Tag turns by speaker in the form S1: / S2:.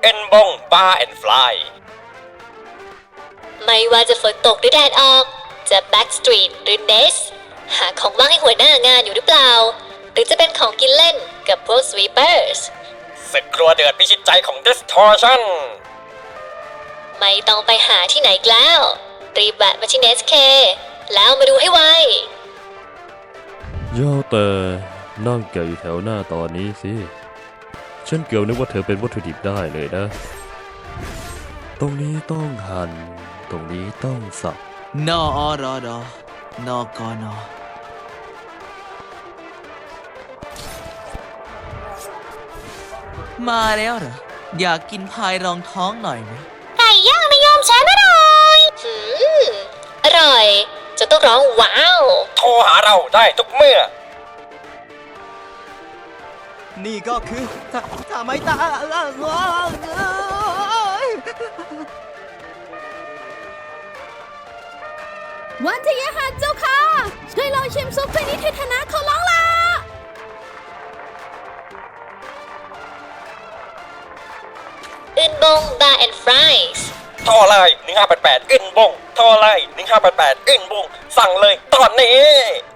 S1: เอ็นบงบาร์แอนด์ฟลาย
S2: ไม่ว่าจะฝนตกหรือแดดออกจะ Backstreet หรือ Nest หาของว่างให้หัวหน้างานอยู่หรือเปล่า หรือจะเป็นของกินเล่นกับพวก Sweepers
S1: ศึกครัวเดือดพิชิตใจของ Distortion
S2: ไม่ต้องไปหาที่ไหนอีกแล้ว รีบแวะมาที่ Nest K แล้วมาดูให้ไว
S3: ย่อแต่นั่งแกะอยู่แถวหน้าตอนนี้สิ ฉันเกือบนึกว่าเธอเป็นวัตถุดิบได้เลยนะ ตรงนี้ต้องหั่น ตรงนี้ต้องสับ
S4: นออรอดอนอกอนอมาแล้วเหรอ อยากกินพายรองท้องหน่อยไหม
S2: ไก่ย่างไม่ยอมฉันอร่อยอร่อย จะต้องร้องว้าว
S1: โทรหาเราได้ทุกเมื่อ
S4: นี่ก็คือทำไมตา
S5: วันทยหัสเจ้าค่ะ ช่วยลองชิมซุปถ้วยนี้เทธนะขอร้องล่ะ
S2: อึนบงบาร์แอนด์ฟรายส์
S1: โทรเลย1588 อึนบง โทรเลย1588 อึนบง สั่งเลยตอนนี้